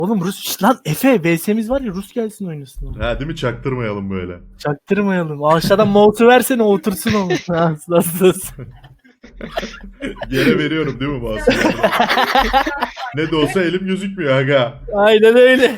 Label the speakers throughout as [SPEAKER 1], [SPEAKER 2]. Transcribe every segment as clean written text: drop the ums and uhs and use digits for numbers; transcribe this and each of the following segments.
[SPEAKER 1] Oğlum Rus lan Efe VS'miz var ya Rus gelsin oynasın onu.
[SPEAKER 2] Ha değil mi? Çaktırmayalım böyle.
[SPEAKER 1] Çaktırmayalım. Aşağıdan mouse'u versene otursun onu. Nasıl?
[SPEAKER 2] Yere veriyorum değil mi mouse'u? Ne de olsa elim gözükmüyor aga.
[SPEAKER 1] Aynen öyle.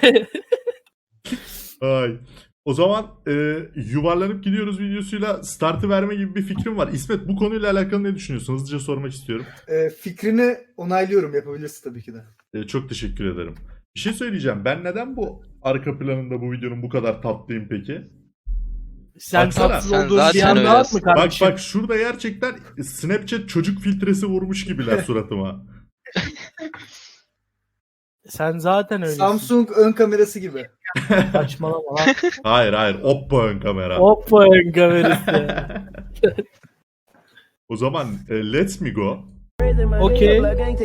[SPEAKER 2] Ay. O zaman yuvarlanıp gidiyoruz videosuyla startı verme gibi bir fikrim var. İsmet bu konuyla alakalı ne düşünüyorsun? Hızlıca sormak istiyorum.
[SPEAKER 3] Fikrini onaylıyorum. Yapabilirsin tabii ki de.
[SPEAKER 2] Çok teşekkür ederim. Bir şey söyleyeceğim. Ben neden bu arka planında bu videonun bu kadar tatlıyım peki?
[SPEAKER 1] Sen
[SPEAKER 2] Baksana.
[SPEAKER 1] tatsız
[SPEAKER 4] Sen
[SPEAKER 1] olduğun bir
[SPEAKER 4] zaten
[SPEAKER 1] anda at
[SPEAKER 4] öylesin.
[SPEAKER 1] mı kardeşim?
[SPEAKER 2] Bak şurada gerçekten Snapchat çocuk filtresi vurmuş gibiler suratıma.
[SPEAKER 1] Sen zaten öylesin.
[SPEAKER 3] Samsung ön kamerası gibi.
[SPEAKER 1] Saçmalama lan.
[SPEAKER 2] Hayır. Oppo ön kamera.
[SPEAKER 1] Hoppa ön kamerası.
[SPEAKER 2] O zaman let's me go.
[SPEAKER 1] Okey.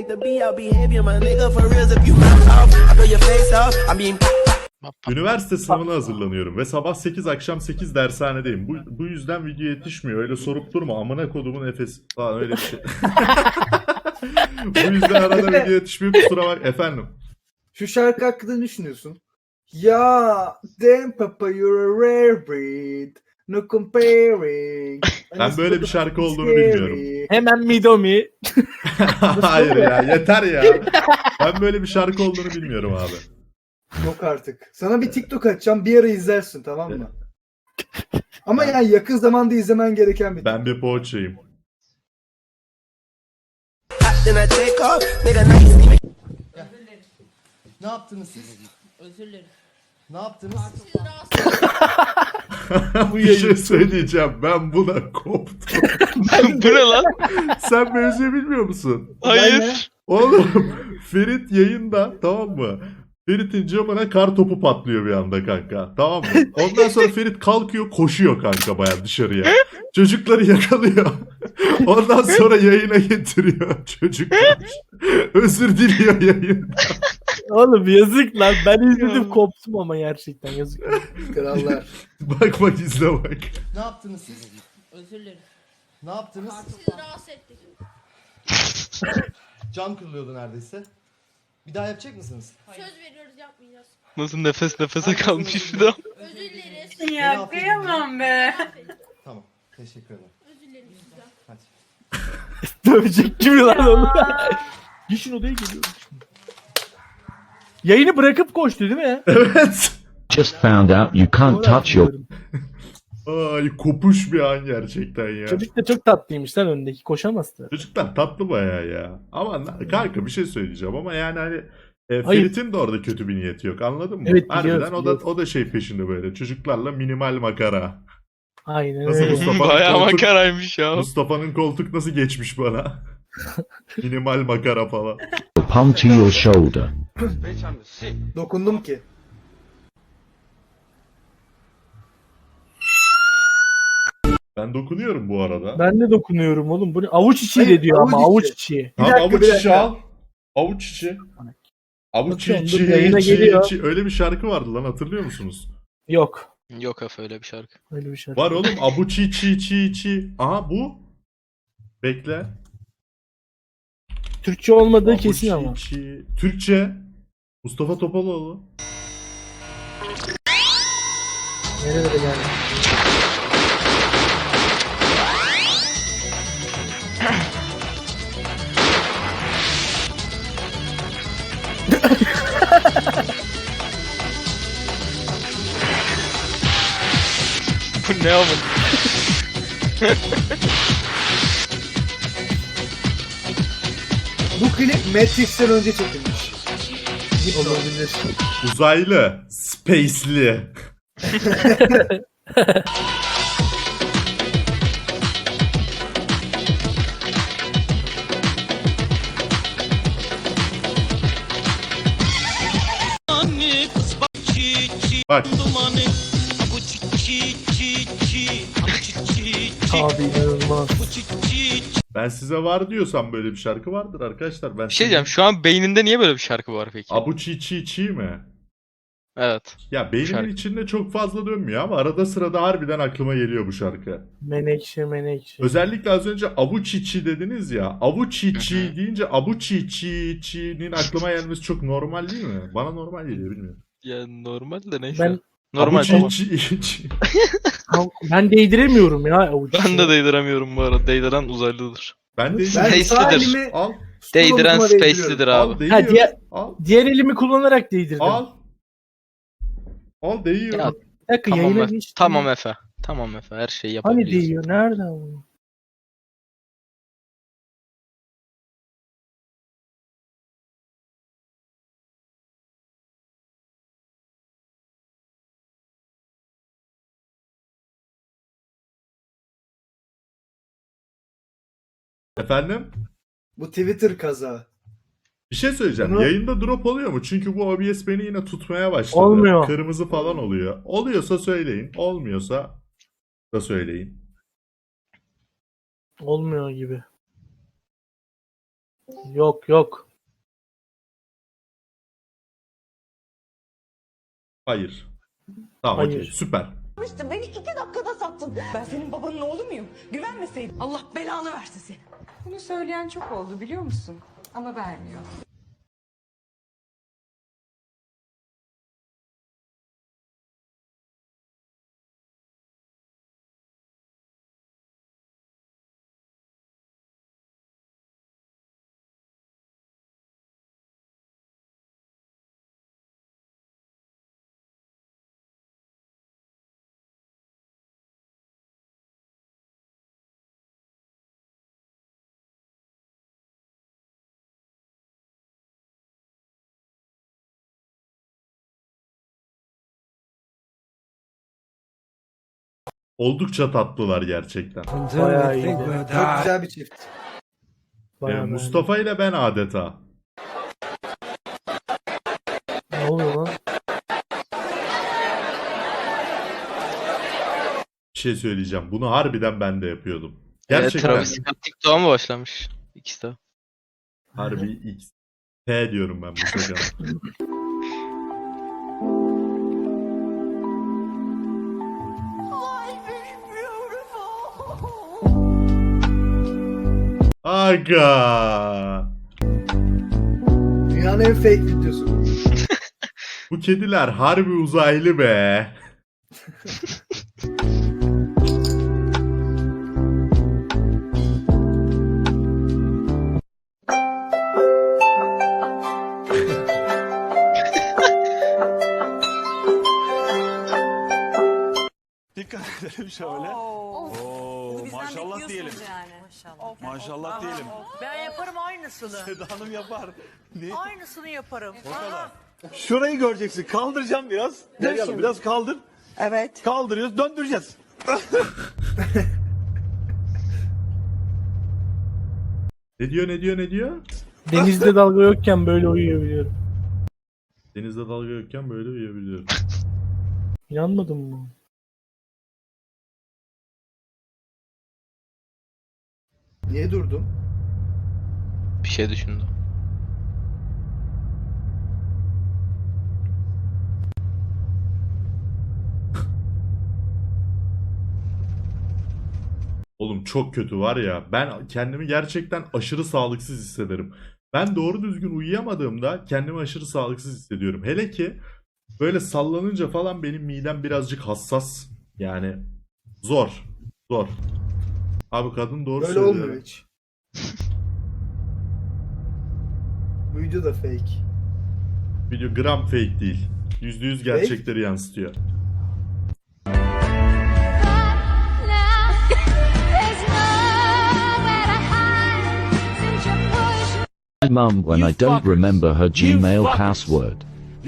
[SPEAKER 2] Üniversite sınavına hazırlanıyorum ve sabah 8 akşam 8 dershanedeyim. Bu yüzden video yetişmiyor. Öyle sorup durma. Amına kodumun efesi. Falan öyle bir şey. Bu yüzden arada video yetişmiyor. Kusura bak efendim.
[SPEAKER 3] Şu şarkı hakkında ne düşünüyorsun? Ya, damn papa you're a rare breed. No comparing.
[SPEAKER 2] Ben böyle bir şarkı olduğunu bilmiyorum.
[SPEAKER 1] Hemen Midomi.
[SPEAKER 2] Hayır ya yeter ya. Ben böyle bir şarkı olduğunu bilmiyorum abi.
[SPEAKER 3] Yok artık. Sana bir TikTok açacağım. Bir ara izlersin, tamam mı? Ama yani yakın zamanda izlemen gereken bir
[SPEAKER 2] Ben bir poğaçayım.
[SPEAKER 5] Ne yaptınız siz?
[SPEAKER 6] Özür dilerim.
[SPEAKER 5] Ne yaptınız?
[SPEAKER 2] Bir şey söyleyeceğim. Ben buna koptum.
[SPEAKER 4] Bu ne lan?
[SPEAKER 2] Sen mevzuyu bilmiyor musun?
[SPEAKER 4] Hayır.
[SPEAKER 2] Oğlum Ferit yayında, tamam mı? Ferit'in camına kar topu patlıyor bir anda kanka. Tamam mı? Ondan sonra Ferit kalkıyor koşuyor kanka baya dışarıya. Çocukları yakalıyor. Ondan sonra yayına getiriyor çocuklar. Özür diliyor yayında.
[SPEAKER 1] Oğlum yazık lan. Ben izledim koptum ama gerçekten yazık.
[SPEAKER 3] krallar.
[SPEAKER 2] Bak izle bak.
[SPEAKER 5] Ne yaptınız siz?
[SPEAKER 6] Özür dilerim.
[SPEAKER 5] Ne yaptınız?
[SPEAKER 6] Sizi rahatsız ettik.
[SPEAKER 5] Cam kırılıyordu neredeyse. Bir daha yapacak mısınız?
[SPEAKER 6] Söz veriyoruz yapmayacağız.
[SPEAKER 4] Nasıl nefes nefese kalmış bir daha.
[SPEAKER 6] Özür dileriz.
[SPEAKER 5] Beni
[SPEAKER 7] Ya
[SPEAKER 5] affedin.
[SPEAKER 7] kıyamam be.
[SPEAKER 5] Tamam. Teşekkür ederim.
[SPEAKER 6] Özür dilerim sizden.
[SPEAKER 5] Hadi.
[SPEAKER 1] Dövecek gibi lan onu. Gişin odaya geliyorum şimdi. Yayını bırakıp koştu değil mi?
[SPEAKER 2] Evet.
[SPEAKER 8] Just found out you can't touch your
[SPEAKER 2] Ay kopuş bir an gerçekten ya.
[SPEAKER 1] Çocuk da çok tatlıymış lan öndeki. Koşamazdı.
[SPEAKER 2] Çocuklar tatlı bayağı ya. Ama kanka bir şey söyleyeceğim ama yani hani
[SPEAKER 1] Hayır.
[SPEAKER 2] Ferit'in de orada kötü bir niyeti yok anladın mı?
[SPEAKER 1] Evet,
[SPEAKER 2] Harbiden
[SPEAKER 1] biliyoruz.
[SPEAKER 2] o da şey peşinde böyle çocuklarla minimal makara.
[SPEAKER 1] Aynen
[SPEAKER 2] Nasıl
[SPEAKER 1] öyle.
[SPEAKER 2] Mustafa'nın
[SPEAKER 4] Bayağı
[SPEAKER 2] koltuk,
[SPEAKER 4] makaraymış ya.
[SPEAKER 2] Mustafa'nın koltuk nasıl geçmiş bana? Minimal makara falan.
[SPEAKER 8] palm to your shoulder.
[SPEAKER 3] Dokundum ki.
[SPEAKER 2] Ben dokunuyorum bu arada.
[SPEAKER 1] Ben de dokunuyorum oğlum. Bu ne? Avuç içi
[SPEAKER 3] Hayır,
[SPEAKER 1] de diyor ama
[SPEAKER 3] avuç
[SPEAKER 1] avuç
[SPEAKER 3] içi.
[SPEAKER 1] içi.
[SPEAKER 2] Tamam,
[SPEAKER 3] dakika,
[SPEAKER 2] avuç
[SPEAKER 3] bir
[SPEAKER 2] içi
[SPEAKER 3] dakika.
[SPEAKER 2] al. Avuç içi. Avuç
[SPEAKER 1] Bakıyorum,
[SPEAKER 2] içi,
[SPEAKER 1] dur, yayına
[SPEAKER 2] içi,
[SPEAKER 1] geliyor.
[SPEAKER 2] içi. Öyle bir şarkı vardı lan hatırlıyor musunuz?
[SPEAKER 1] Yok.
[SPEAKER 4] Yok Efe öyle bir şarkı.
[SPEAKER 1] Öyle bir şey.
[SPEAKER 2] Var oğlum abuçi çi çi çi. Aha bu. Bekle.
[SPEAKER 1] Türkçe olmadığı
[SPEAKER 2] Abuçi,
[SPEAKER 1] kesin ama.
[SPEAKER 2] çi. Türkçe. Mustafa Topaloğlu.
[SPEAKER 1] Nerelere geldi?
[SPEAKER 4] Bu ne oğlum?
[SPEAKER 3] Bu klip Matrix'ten önce çekilmiş.
[SPEAKER 1] Olabilir.
[SPEAKER 2] Uzaylı. Spaceli. Bak.
[SPEAKER 1] Abi inanılmaz.
[SPEAKER 2] Ben size var diyorsam böyle bir şarkı vardır arkadaşlar. Ben
[SPEAKER 4] Bir şey diyeceğim. Şu an beyninde niye böyle bir şarkı var peki?
[SPEAKER 2] Abuçi çi çi mi?
[SPEAKER 4] Evet.
[SPEAKER 2] Ya beynimin
[SPEAKER 4] Şarkı.
[SPEAKER 2] içinde çok fazla dönmüyor ama arada sırada harbiden aklıma geliyor bu şarkı.
[SPEAKER 1] Menekşe.
[SPEAKER 2] Özellikle az önce Avuçiçi dediniz ya.
[SPEAKER 4] Hı
[SPEAKER 2] Avuçiçi
[SPEAKER 4] hı.
[SPEAKER 2] deyince Avuçiçi'nin aklıma gelmesi çok normal değil mi? Bana normal geliyor bilmiyorum.
[SPEAKER 4] Ya normal de neyse.
[SPEAKER 1] Ben
[SPEAKER 4] Normal tamam.
[SPEAKER 2] Avuçiçi.
[SPEAKER 1] ben değdiremiyorum ya avucu.
[SPEAKER 4] Ben de değdiremiyorum bu arada. Değdiren uzaylıdır.
[SPEAKER 2] Ben de
[SPEAKER 3] Ben
[SPEAKER 4] Space'lidir.
[SPEAKER 3] sağ elimi
[SPEAKER 2] al.
[SPEAKER 4] Değdiren
[SPEAKER 3] omzuma
[SPEAKER 4] Space'lidir
[SPEAKER 2] Al
[SPEAKER 4] abi.
[SPEAKER 2] değiyor.
[SPEAKER 1] diğer-
[SPEAKER 2] Al.
[SPEAKER 1] Diğer elimi kullanarak değdirdim.
[SPEAKER 2] Al. Al değiyor.
[SPEAKER 4] Ya,
[SPEAKER 1] Bir dakika
[SPEAKER 4] Tamam
[SPEAKER 1] yayına
[SPEAKER 4] Efe.
[SPEAKER 1] geçtim.
[SPEAKER 4] Tamam Efe. Tamam Efe. Her şeyi
[SPEAKER 1] Hani
[SPEAKER 4] yapabiliyorsun.
[SPEAKER 1] değiyor? Nerede o?
[SPEAKER 2] Efendim?
[SPEAKER 3] Bu Twitter kaza.
[SPEAKER 2] Bir şey söyleyeceğim.
[SPEAKER 3] Bunu-
[SPEAKER 2] Yayında drop oluyor mu? Çünkü bu OBS beni yine tutmaya başladı.
[SPEAKER 1] Olmuyor.
[SPEAKER 2] Kırmızı falan oluyor. Oluyorsa söyleyin. Olmuyorsa da söyleyin.
[SPEAKER 1] Olmuyor gibi. Yok.
[SPEAKER 2] Hayır. Tamam
[SPEAKER 1] Hayır.
[SPEAKER 2] okey. Süper.
[SPEAKER 7] Beni 2 dakikada sattın. Ben senin babanın oğlu muyum? Güvenmeseydin. Allah belanı versin seni.
[SPEAKER 9] Bunu söyleyen çok oldu biliyor musun? Ama vermiyor.
[SPEAKER 2] Oldukça tatlılar gerçekten.
[SPEAKER 1] Bayağı iyiydi.
[SPEAKER 3] Çok güzel bir çift.
[SPEAKER 1] Bayağı
[SPEAKER 2] Mustafa ile ben adeta.
[SPEAKER 1] Ne oluyor lan?
[SPEAKER 2] Bir şey söyleyeceğim. Bunu harbiden ben de yapıyordum.
[SPEAKER 4] Evet,
[SPEAKER 2] Gerçekten.
[SPEAKER 4] Travis Scott TikTok'a mı başlamış? İkisi de.
[SPEAKER 2] Harbi X. T diyorum ben bu sefer. Aga.
[SPEAKER 3] Dünyanın en fake videosu.
[SPEAKER 2] Bu kediler harbi uzaylı be.
[SPEAKER 10] Dikkat edelim şöyle. Oo, maşallah diyelim. Maşallah diyelim.
[SPEAKER 7] Ben yaparım aynısını.
[SPEAKER 10] Seda Hanım yapar. Ne?
[SPEAKER 7] Aynısını yaparım.
[SPEAKER 10] O kadar. Şurayı göreceksin. Kaldıracağım biraz. Gel biraz kaldır.
[SPEAKER 7] Evet.
[SPEAKER 10] Kaldırıyoruz, döndüreceğiz.
[SPEAKER 2] Ne diyor ne diyor ne diyor?
[SPEAKER 1] Denizde dalga yokken böyle uyuyabiliyorum.
[SPEAKER 2] Denizde dalga yokken böyle uyuyabiliyorum.
[SPEAKER 1] İnanmadın mı?
[SPEAKER 3] Niye durdun?
[SPEAKER 4] Bir şey düşündü.
[SPEAKER 2] Oğlum çok kötü var ya. Ben kendimi gerçekten aşırı sağlıksız hissederim. Ben doğru düzgün uyuyamadığımda kendimi aşırı sağlıksız hissediyorum. Hele ki böyle sallanınca falan benim midem birazcık hassas. Yani zor. Zor. Abi kadın doğru
[SPEAKER 3] Böyle
[SPEAKER 2] söylüyor.
[SPEAKER 3] olmuyor hiç. Bu video da fake.
[SPEAKER 2] Video gram fake değil. %100 gerçekleri yansıtıyor.
[SPEAKER 8] My mum when I don't remember her Gmail password.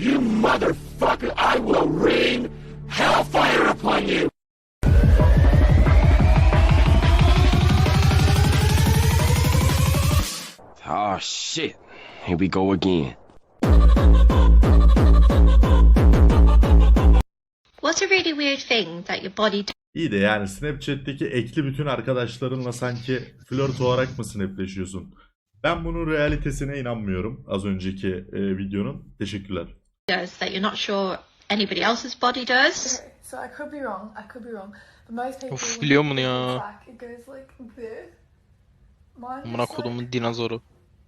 [SPEAKER 11] Oh shit. Here we go again.
[SPEAKER 6] What's a really weird thing that your body
[SPEAKER 2] İyi de yani Snapchat'teki ekli bütün arkadaşlarınla sanki flört olarak mı snapleşiyorsun? Ben bunun realitesine inanmıyorum az önceki videonun. Teşekkürler.
[SPEAKER 6] does that you're not sure anybody else's body does.
[SPEAKER 9] So I could be wrong. I could be wrong. But most people.
[SPEAKER 4] Of biliyor bunu ya.
[SPEAKER 9] Back, it goes like this. Mine
[SPEAKER 4] Amına
[SPEAKER 9] is like-
[SPEAKER 4] kodumun dinozoru.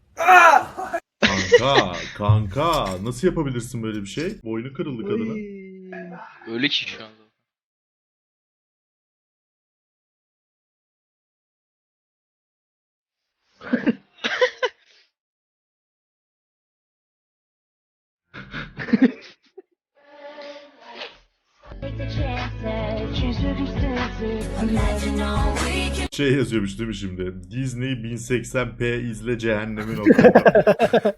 [SPEAKER 2] Kanka nasıl yapabilirsin böyle bir şey? Boynu kırıldı kadının.
[SPEAKER 4] Öyle ki şu anda.
[SPEAKER 2] Şey yazıyormuş değil mi şimdi? Disney 1080p izle cehennemi.com.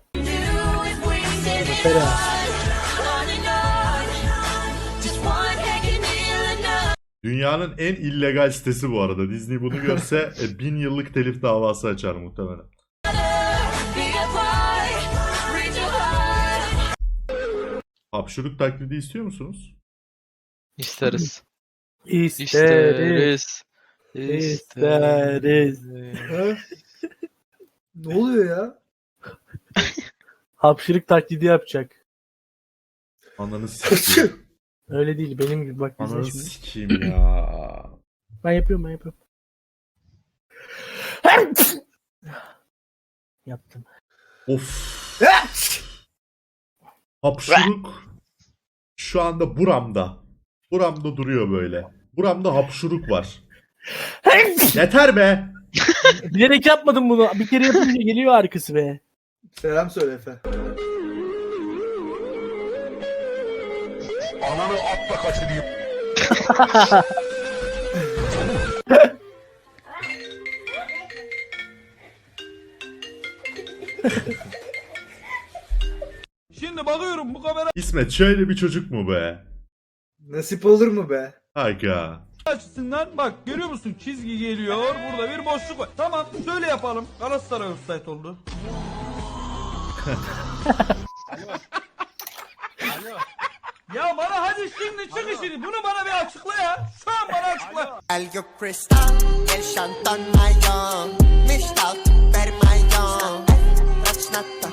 [SPEAKER 2] Dünyanın en illegal sitesi bu arada. Disney bunu görse 1000 yıllık telif davası açar muhtemelen. Hapşuruk taklidi istiyor musunuz?
[SPEAKER 4] İsteriz.
[SPEAKER 1] İsteriz.
[SPEAKER 4] İsteriz.
[SPEAKER 1] İsteriz.
[SPEAKER 3] Ha? Ne oluyor ya?
[SPEAKER 1] Hapşırık taklidi yapacak.
[SPEAKER 2] Ananı sikeyim.
[SPEAKER 1] Öyle değil benim gibi bak bize
[SPEAKER 2] Ananı
[SPEAKER 1] şimdi.
[SPEAKER 2] sikeyim ya.
[SPEAKER 1] Ben yapıyorum. Yaptım.
[SPEAKER 2] Of. Hapşuruk şu anda buramda. Buramda duruyor böyle. Buramda hapşuruk var. Yeter be.
[SPEAKER 1] Bilerek yapmadım bunu. Bir kere yapınca geliyor arkası be.
[SPEAKER 3] Selam söyle Efe.
[SPEAKER 10] Ananı atla kaçırayım. Şimdi bakıyorum bu kamera
[SPEAKER 2] İsmet şöyle bir çocuk mu be?
[SPEAKER 3] Nasip olur mu be?
[SPEAKER 2] Aga.
[SPEAKER 10] açısından bak görüyor musun çizgi geliyor burada bir boşluk var. Tamam şöyle yapalım. Galatasaray offside oldu. Ya bana hadi şimdi çık işini bunu bana bir açıkla ya. Şu an bana açıkla.
[SPEAKER 7] El cristal, el şantan mayon, mistal, vermayon, raçnata,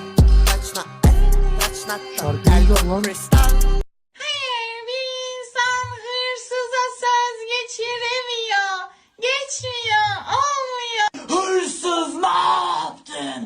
[SPEAKER 1] Şarkıyı da lan.
[SPEAKER 6] Hayır, bir insan hırsıza söz geçiremiyor. Geçmiyor, olmuyor.
[SPEAKER 7] Hırsız ne yaptın?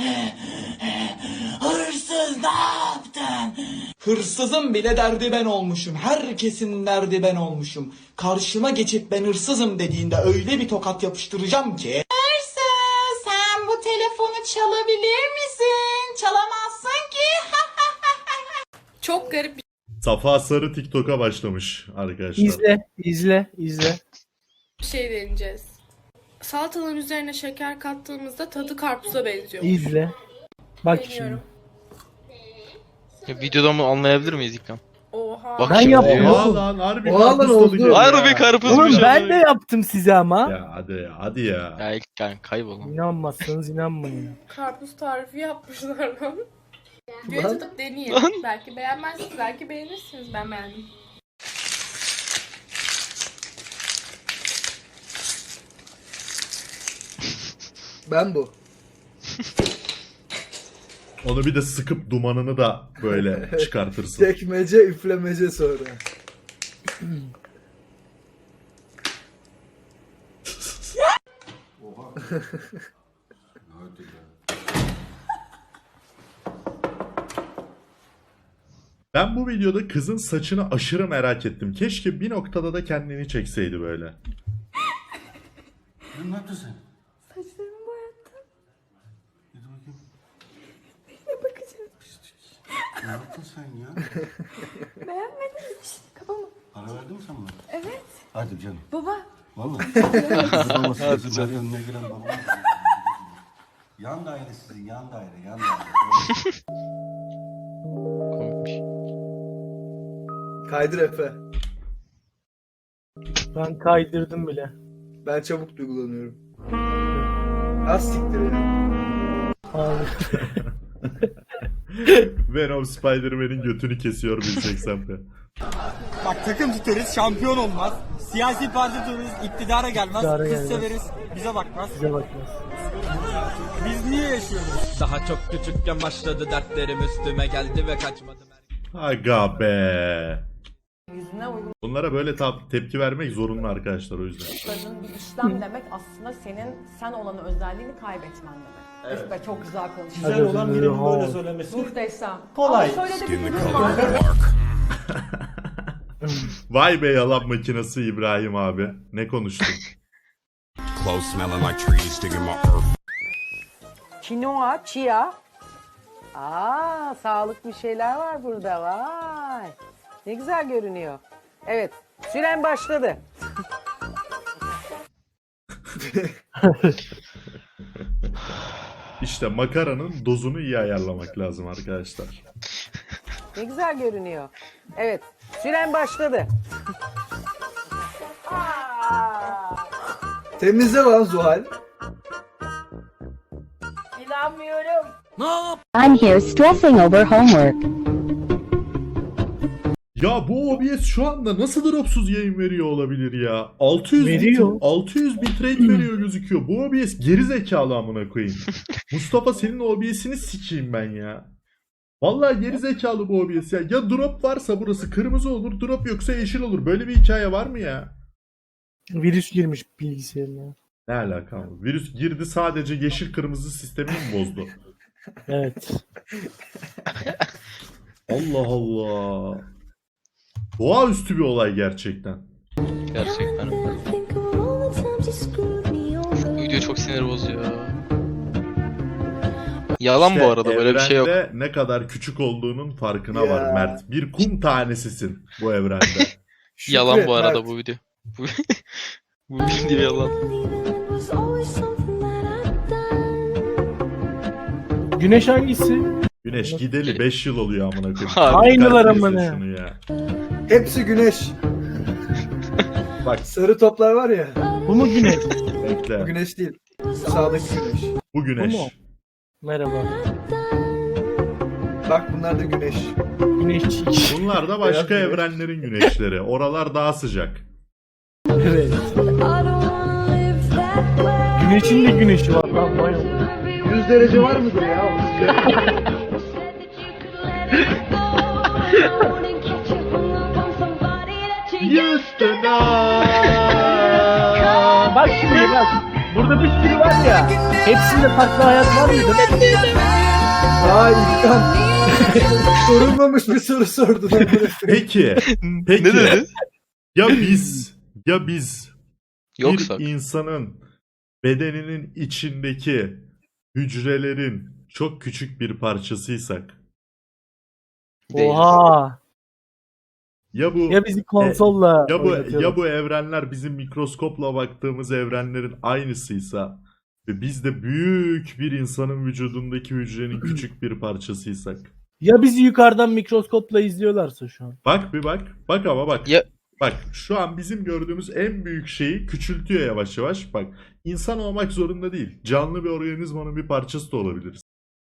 [SPEAKER 7] Hırsız ne yaptın? Hırsızın bile derdi ben olmuşum. Herkesin derdi ben olmuşum. Karşıma geçip ben hırsızım dediğinde öyle bir tokat yapıştıracağım ki.
[SPEAKER 6] Hırsız, sen bu telefonu çalabilir misin? Çalamazsın ki.
[SPEAKER 9] Çok garip bir
[SPEAKER 2] Safa Sarı TikTok'a başlamış arkadaşlar.
[SPEAKER 1] İzle.
[SPEAKER 9] şey deneyeceğiz. Salataların üzerine şeker kattığımızda tadı karpuza benziyor.
[SPEAKER 1] İzle. Bak şimdi.
[SPEAKER 9] Deniyorum.
[SPEAKER 4] Ya, videoda mı anlayabilir miyiz İlkan?
[SPEAKER 9] Oha.
[SPEAKER 4] Bak
[SPEAKER 1] Ben
[SPEAKER 4] şimdi.
[SPEAKER 1] yaptım.
[SPEAKER 2] Oha lan harbi
[SPEAKER 3] Oha lan
[SPEAKER 2] karpuz
[SPEAKER 3] oldu.
[SPEAKER 2] tadı geliyor
[SPEAKER 4] Harbi
[SPEAKER 2] ya.
[SPEAKER 4] karpuzmuş.
[SPEAKER 1] Oğlum ben de
[SPEAKER 4] ya.
[SPEAKER 1] yaptım size ama.
[SPEAKER 2] Ya hadi ya.
[SPEAKER 4] Ya İlkan kaybol lan.
[SPEAKER 1] İnanmazsanız inanmayın.
[SPEAKER 9] Karpuz tarifi yapmışlar lan. Bir
[SPEAKER 3] Lan.
[SPEAKER 9] tutup deneyin. Belki beğenmezsiniz, belki beğenirsiniz. Ben beğendim.
[SPEAKER 3] Ben bu.
[SPEAKER 2] Onu bir de sıkıp dumanını da böyle çıkartırsın.
[SPEAKER 3] Tekmece üflemece sonra.
[SPEAKER 2] Ben bu videoda kızın saçını aşırı merak ettim. Keşke bir noktada da kendini çekseydi böyle.
[SPEAKER 10] Ne yaptın sen?
[SPEAKER 9] Saçlarımı boyattım.
[SPEAKER 10] Dur bakayım.
[SPEAKER 9] Bakacağım.
[SPEAKER 10] Ne yaptın sen ya?
[SPEAKER 9] Beğenmedin mi? Kafamı.
[SPEAKER 10] Para verdin mi sen bana?
[SPEAKER 9] Evet.
[SPEAKER 10] Hadi canım.
[SPEAKER 9] Baba.
[SPEAKER 10] Vallahi. Olmasın kızım ben önüne giren babam. Yan daire sizin yan daire.
[SPEAKER 4] Komikmiş.
[SPEAKER 3] Kaydır Efe.
[SPEAKER 1] Ben kaydırdım bile.
[SPEAKER 3] Ben çabuk duygulanıyorum. Az siktir ya.
[SPEAKER 1] Abi.
[SPEAKER 2] Venom Spider-Man'in götünü kesiyor 1080p.
[SPEAKER 7] Bak takım tutarız, şampiyon olmaz. Siyasi parti tutarız, iktidara gelmez.
[SPEAKER 1] İktidara
[SPEAKER 7] Kız
[SPEAKER 1] gelmez.
[SPEAKER 7] severiz, bize bakmaz.
[SPEAKER 1] Size bakmaz.
[SPEAKER 7] Biz niye yaşıyoruz?
[SPEAKER 11] Daha çok küçükken başladı dertlerim üstüme geldi ve kaçmadım.
[SPEAKER 2] Aga be.
[SPEAKER 6] yüzüne
[SPEAKER 2] Bunlara böyle tepki vermek zorunlu arkadaşlar o yüzden.
[SPEAKER 6] uyguladığın bir işlem demek aslında senin sen olan özelliğini kaybetmen demek.
[SPEAKER 5] Evet.
[SPEAKER 6] Be, çok güzel konuşuyorsun.
[SPEAKER 5] Güzel olan birinin böyle söylemesi
[SPEAKER 6] Muhteşem.
[SPEAKER 5] kolay.
[SPEAKER 6] Ama şöyle de bir durum var.
[SPEAKER 2] Vay be yalan makinesi İbrahim abi. Ne konuştun?
[SPEAKER 11] Clothes smelling like trees digging my earth.
[SPEAKER 6] Kinoa, chia. Sağlıklı şeyler var burada. Vay. Ne güzel görünüyor. Evet. Süren başladı.
[SPEAKER 2] İşte makaranın dozunu iyi ayarlamak lazım arkadaşlar.
[SPEAKER 6] Ne güzel görünüyor. Evet. Süren başladı.
[SPEAKER 3] Temizle lan Zuhal.
[SPEAKER 6] İnanmıyorum.
[SPEAKER 9] I'm here stressing over homework.
[SPEAKER 2] Ya bu OBS şu anda nasıl dropsuz yayın veriyor olabilir ya? 600
[SPEAKER 1] Veriyor.
[SPEAKER 2] 600 bitrate veriyor gözüküyor. Bu OBS geri zekalı amına koyayım. Mustafa senin OBS'ini sikeyim ben ya. Vallahi geri zekalı bu OBS ya. Ya drop varsa burası kırmızı olur, drop yoksa yeşil olur. Böyle bir hikaye var mı ya?
[SPEAKER 1] Virüs girmiş bilgisayarına.
[SPEAKER 2] Ne alaka? Virüs girdi sadece yeşil kırmızı sistemini mi bozdu?
[SPEAKER 1] Evet.
[SPEAKER 2] Allah Allah. Doğaüstü bir olay gerçekten.
[SPEAKER 4] Gerçekten. Bu video çok sinir bozuyor. Yalan bu arada, böyle bir şey yok.
[SPEAKER 2] Evrende ne kadar küçük olduğunun farkına
[SPEAKER 3] Ya.
[SPEAKER 2] var Mert. Bir kum tanesisin bu evrende.
[SPEAKER 4] Yalan
[SPEAKER 3] Şükret,
[SPEAKER 4] bu arada
[SPEAKER 3] Mert.
[SPEAKER 4] bu video. Bu video yalan.
[SPEAKER 1] Güneş hangisi?
[SPEAKER 2] Güneş gideli 5 yıl oluyor amına koyayım.
[SPEAKER 1] Aynılar
[SPEAKER 2] Dikkat
[SPEAKER 1] amına.
[SPEAKER 2] etsin şunu ya.
[SPEAKER 3] Hepsi güneş.
[SPEAKER 2] Bak
[SPEAKER 3] Sarı toplar var ya.
[SPEAKER 1] Bu mu güneş?
[SPEAKER 3] Bu
[SPEAKER 2] bekle.
[SPEAKER 3] güneş değil. Sağdaki güneş.
[SPEAKER 2] Bu güneş.
[SPEAKER 1] Bu mu? Merhaba.
[SPEAKER 3] Bak bunlar da güneş.
[SPEAKER 1] Güneşçik.
[SPEAKER 2] Bunlar da
[SPEAKER 3] Beyaz
[SPEAKER 2] başka
[SPEAKER 3] güneş.
[SPEAKER 2] evrenlerin güneşleri. Oralar daha sıcak.
[SPEAKER 1] Evet. Güneşin de güneşi var lan. Vay Allah.
[SPEAKER 3] 100 derece var mıdır ya?
[SPEAKER 1] Bak şimdi bak. Burada bir sürü var ya. Hepsinde farklı hayat var mıydı?
[SPEAKER 3] Ay İlkan. Sorulmamış bir soru sordun.
[SPEAKER 2] Peki.
[SPEAKER 4] Ne
[SPEAKER 2] Peki.
[SPEAKER 4] dedi?
[SPEAKER 2] Ya biz
[SPEAKER 4] Yoksa.
[SPEAKER 2] bir insanın bedeninin içindeki hücrelerin çok küçük bir parçasıysak
[SPEAKER 4] Değil.
[SPEAKER 1] Oha.
[SPEAKER 2] ya bu
[SPEAKER 1] Ya bizi konsolla
[SPEAKER 2] ya
[SPEAKER 1] oynatıyorlar.
[SPEAKER 2] bu evrenler bizim mikroskopla baktığımız evrenlerin aynısıysa ve biz de büyük bir insanın vücudundaki hücrenin küçük bir parçasıysak.
[SPEAKER 1] Ya bizi yukarıdan mikroskopla izliyorlarsa şu an.
[SPEAKER 2] Bak bir bak. Bak ama bak.
[SPEAKER 4] Ya-
[SPEAKER 2] Bak şu an bizim gördüğümüz en büyük şeyi küçültüyor yavaş yavaş. Bak insan olmak zorunda değil. Canlı bir organizmanın bir parçası da olabiliriz.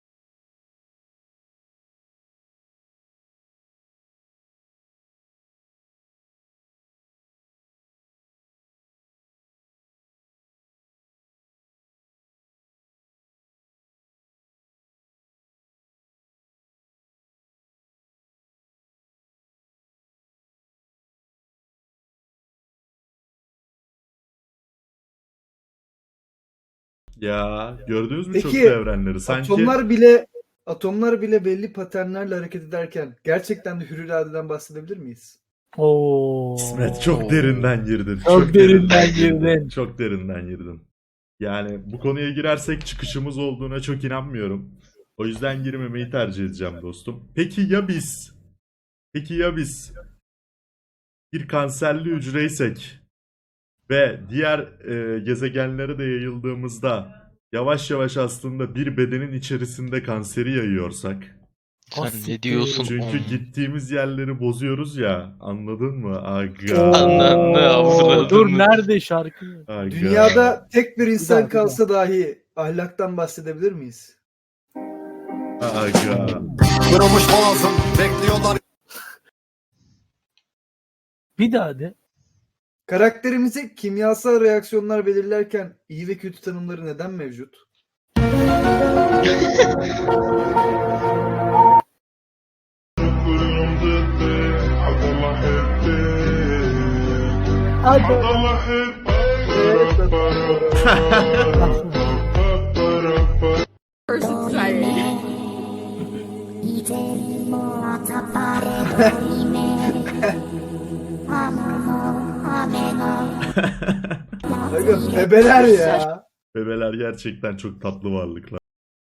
[SPEAKER 2] Ya gördünüz mü çok
[SPEAKER 3] Peki,
[SPEAKER 2] evrenleri? Sanki
[SPEAKER 3] atomlar bile belli paternlerle hareket ederken gerçekten de hür iradeden bahsedebilir miyiz?
[SPEAKER 1] Oo.
[SPEAKER 2] İsmet çok derinden girdin.
[SPEAKER 1] Çok derinden girdin.
[SPEAKER 2] Çok derinden girdin. Yani bu konuya girersek çıkışımız olduğuna çok inanmıyorum. O yüzden girmemeyi tercih edeceğim dostum. Peki ya biz? Peki ya biz? Bir kanserli hücreysek ve diğer gezegenlere de yayıldığımızda yavaş yavaş aslında bir bedenin içerisinde kanseri yayıyorsak.
[SPEAKER 4] Sen ne diyorsun?
[SPEAKER 2] Çünkü gittiğimiz yerleri bozuyoruz ya. Anladın mı? Aga.
[SPEAKER 4] Ananı avradını.
[SPEAKER 1] Dur nerede şarkı?
[SPEAKER 2] Aga.
[SPEAKER 3] Dünyada tek bir insan
[SPEAKER 1] Bir daha.
[SPEAKER 3] kalsa dahi ahlaktan bahsedebilir miyiz?
[SPEAKER 2] Aga.
[SPEAKER 10] Kırılmış boğazım bekliyorlar.
[SPEAKER 1] Bir daha de.
[SPEAKER 3] Karakterimize kimyasal reaksiyonlar belirlerken iyi ve kötü tanımları neden mevcut?
[SPEAKER 2] I
[SPEAKER 3] Bakın bebeler ya.
[SPEAKER 2] Bebeler gerçekten çok tatlı varlıklar.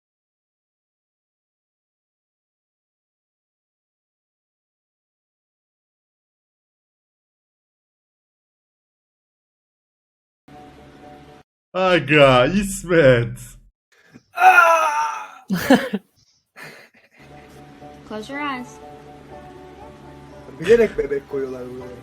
[SPEAKER 2] Aga İsmet.
[SPEAKER 9] Close your eyes.
[SPEAKER 3] Bilerek bebek koyuyorlar buraya.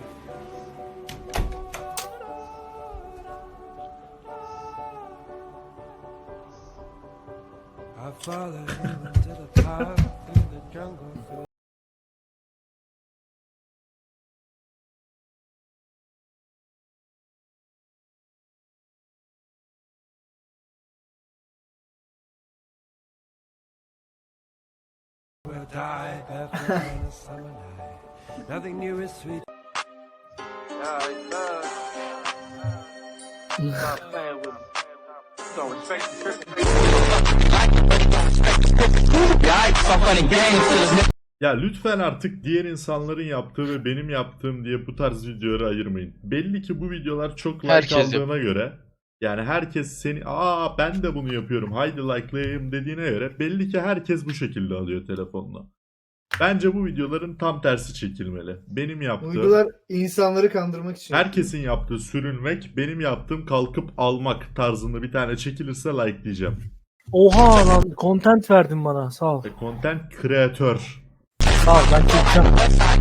[SPEAKER 2] Ya lütfen artık diğer insanların yaptığı ve benim yaptığım diye bu tarz videoları ayırmayın. Belli ki bu videolar çok like
[SPEAKER 4] Herkes
[SPEAKER 2] aldığına göre, yani herkes seni ben de bunu yapıyorum haydi like'layayım dediğine göre belli ki herkes bu şekilde alıyor telefonla. Bence bu videoların tam tersi çekilmeli. Benim
[SPEAKER 3] Bu
[SPEAKER 2] yaptığım,
[SPEAKER 3] videolar insanları kandırmak için.
[SPEAKER 2] herkesin yaptığı sürünmek, benim yaptığım kalkıp almak tarzında bir tane çekilirse like'layacağım.
[SPEAKER 1] Oha lan content verdin bana sağ ol.
[SPEAKER 2] Content creator.
[SPEAKER 1] Sağ ol ben çekeceğim.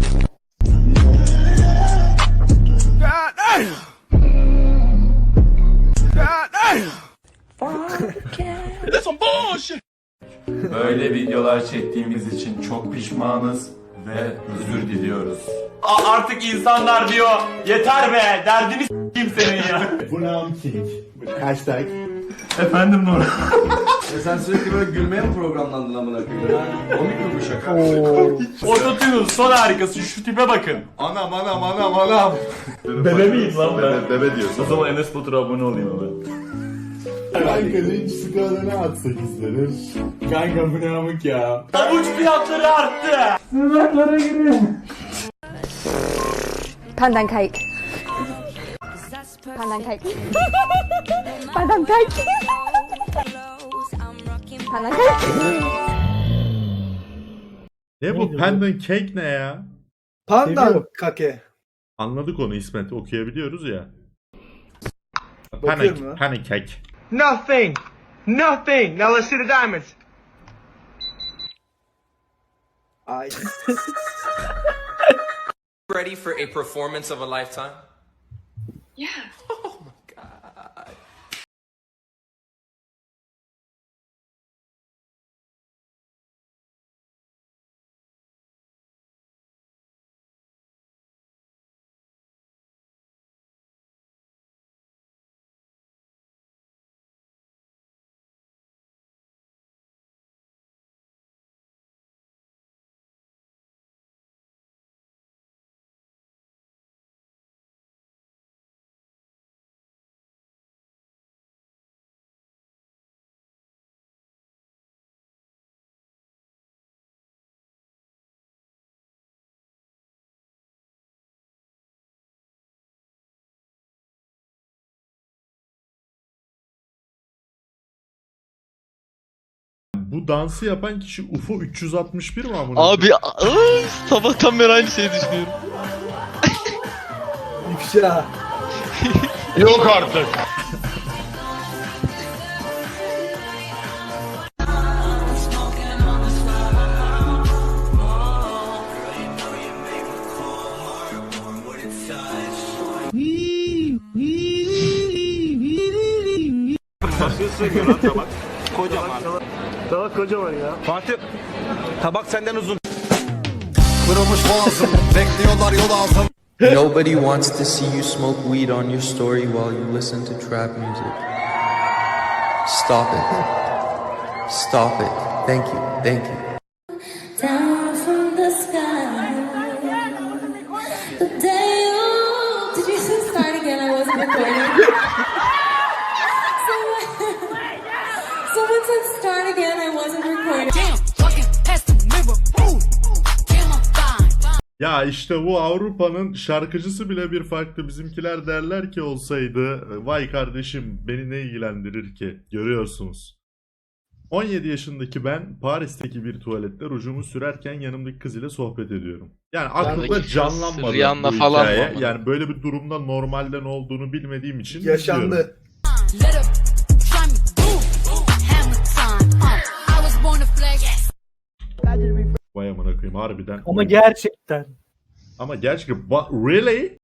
[SPEAKER 10] Böyle videolar çektiğimiz için çok pişmanız ve özür diliyoruz. Artık insanlar diyor yeter be derdini s**eyim senin ya.
[SPEAKER 2] Brown King. Hashtag.
[SPEAKER 10] Efendim Nur.
[SPEAKER 5] Sen sürekli böyle gülmeye mi programlandın amına koyayım? Komik mi bu şaka?
[SPEAKER 10] Ototune'un son harikası şu tipe bakın.
[SPEAKER 2] Anam. Bebe miyim lan ben? Bebe diyorsun.
[SPEAKER 10] O zaman Enes Batur'a abone olayım ben.
[SPEAKER 2] Kanka linç skalana atsak izlenir.
[SPEAKER 10] Kanka bu ne amık ya. Avuç fiyatları arttı.
[SPEAKER 9] Pandan cake. Pandan cake. Pandan cake. Pandan cake.
[SPEAKER 2] Ne bu pendant cake ne ya?
[SPEAKER 3] Pandan kake.
[SPEAKER 2] Anladık onu İsmet, okuyabiliyoruz ya.
[SPEAKER 3] Bakıyorum ha.
[SPEAKER 2] Panic cake.
[SPEAKER 7] Nothing. Nothing. Now let's see the diamonds.
[SPEAKER 3] Ay.
[SPEAKER 7] Ready for a performance of a lifetime?
[SPEAKER 9] Yeah.
[SPEAKER 7] Oh my god.
[SPEAKER 2] Bu dansı yapan kişi UFO 361 mi amına?
[SPEAKER 4] Abi sabahtan beri aynı şeyi düşünüyorum.
[SPEAKER 3] İfşa.
[SPEAKER 4] Yok artık.
[SPEAKER 10] Tabak kocaman ya. Fatih tabak senden uzun.
[SPEAKER 5] Kırılmış boğazım, bekliyorlar yol ağzım.
[SPEAKER 7] Nobody wants to see you smoke weed on your story while you listen to trap music. Stop it. Stop it. Thank you. Thank you.
[SPEAKER 9] Down from the sky. The day you... Did you start again? wasn't recording. Someone said start again. I wasn't recording.
[SPEAKER 2] Ya işte bu Avrupa'nın şarkıcısı bile bir farklı. Bizimkiler derler ki olsaydı vay kardeşim beni ne ilgilendirir ki? Görüyorsunuz. 17 yaşındaki ben Paris'teki bir tuvalette rujumu sürerken yanımdaki kız ile sohbet ediyorum. Yani aklımda
[SPEAKER 4] Yanındaki kız
[SPEAKER 2] canlanmadı
[SPEAKER 4] Rihanna
[SPEAKER 2] bu
[SPEAKER 4] falan
[SPEAKER 2] hikaye.
[SPEAKER 4] mı?
[SPEAKER 2] Yani böyle bir durumda normalde ne olduğunu bilmediğim için izliyorum.
[SPEAKER 3] Yaşandı.
[SPEAKER 2] Vay amına koyayım harbiden.
[SPEAKER 1] Ama gerçekten.
[SPEAKER 2] Ama gerçekten really?